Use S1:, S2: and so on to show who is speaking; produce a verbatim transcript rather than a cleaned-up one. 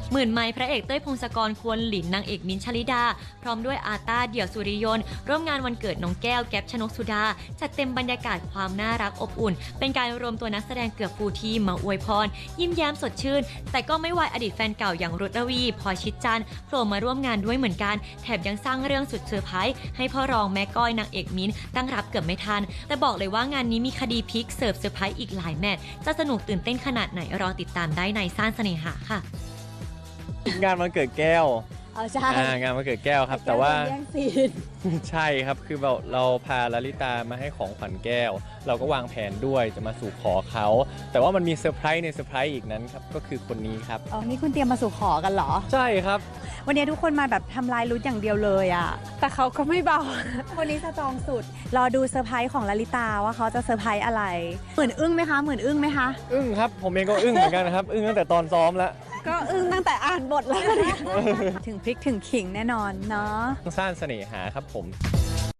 S1: หมื่นไม้พระเอกเต้ยพงศกรควรหลินนางเอกมิ้นท์ชลิดาพร้อมด้วยอาต้าเดี่ยวสุริยนต์ร่วมงานวันเกิดน้องแก้วแก๊ปชนกสุดาจัดเต็มบรรยากาศความน่ารักอบอุ่นเป็นการรวมตัวนักแสดงเกือบฟูลทีมมาอวยพรยิ้มแย้มสดชื่นแต่ก็ไม่วายอดีตแฟนเก่าอย่างรุตรวีพลอยชิดจันทร์โผล่มาร่วมงานด้วยเหมือนกันแถมยังสร้างเรื่องสุดเซอร์ไพรส์ให้พ่อรองแม่ก้อยนางเอกมิ้นท์ตั้งรับเกือบไม่ทันแต่บอกเลยว่างานนี้มีคดีพลิกเสิร์ฟเซอร์ไพรส์อีกหลายแมตช์จะสนุกตื่นเต้นขนาดไหนรอติดตามได้ในซ่านเสน่หาค่ะ
S2: งานวันเกิดแก้ว
S3: เอาใช่
S2: งานวันเกิดแก้วครับแต่ว่า
S3: แย่งซีน
S2: ใช่ครับคือเราเราพาลลิตามาให้ของขวัญแก้วเราก็วางแผนด้วยจะมาสู่ขอเขาแต่ว่ามันมีเซอร์ไพรส์ในเซอร์ไพรส์อีกนั้นครับก็คือคนนี้ครับ
S3: อ๋อนี่คุณเตรียมมาสู่ขอกันเหรอ
S2: ใช่ครับ
S3: วันนี้ทุกคนมาแบบทำลายรุ้อย่างเดียวเลยอ่ะแต่เขาก็ไม่เบา คนนี้สตรองสุดรอดูเซอร์ไพรส์ของลลิตาว่าเขาจะเซอร์ไพรส์อะไรเหมือนอึ้งไหมคะเหมือนอึ้งไหมคะ
S2: อึ้งครับผมเองก็อึ้งเหมือนกันนะครับ อึ้งตั้งแต่ตอนซ้อมแล้ว
S3: ก็อึ้งตั้งแต่อ่านบทแล้ว ถึงพริกถึงขิงแน่นอนเนาะ
S2: สร้างเสน่หาครับผม